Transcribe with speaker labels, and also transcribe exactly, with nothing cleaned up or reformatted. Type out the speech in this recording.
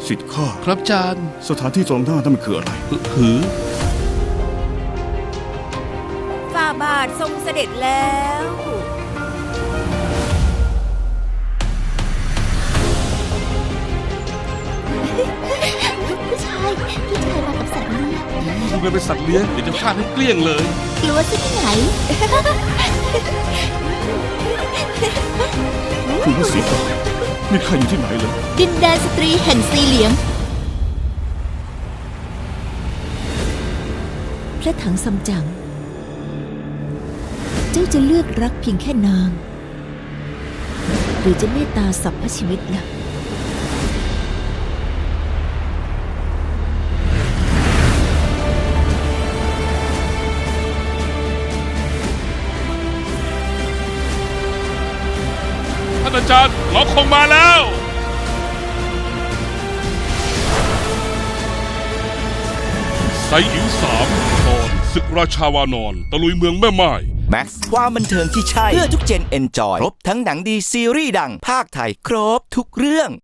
Speaker 1: สิทธิ์ข้า
Speaker 2: ครับจาน
Speaker 1: สถานที่ตรงหน้านั่นมันคืออะไร
Speaker 2: หือ
Speaker 3: ฝ่าบาททรงเสด็จแล้ว
Speaker 4: ผู้ชายพี่ชายมากับสัตว์เลี้ยง
Speaker 2: ดูกันเป็นสัตว์เลี้ยงเดี๋ยวจะฟาดให้เกลี้ยงเลย
Speaker 4: กลัวซะที่ไหน
Speaker 1: คุณพระศรีกานี่ข้าอยู่ที่ไหนเลย
Speaker 4: ดินแดนสตรีแห่งสีเหลียง พระถังซัมจั๋งเจ้าจะเลือกรักเพียงแค่นาง หรือจะเมตตาสัพพชีวิตล่ะ
Speaker 2: ท่านอาจารย์เราคงมาแล้วไซอิ๋วสามตอนศึกราชาวานอนตะลุยเมืองแม่ไม้
Speaker 5: แม็กซ์ความบันเทิงที่ใช่ เพื่อทุกเจนเอนจอย ครบทั้งหนังดีซีรีส์ดังภาคไทย ครบทุกเรื่อง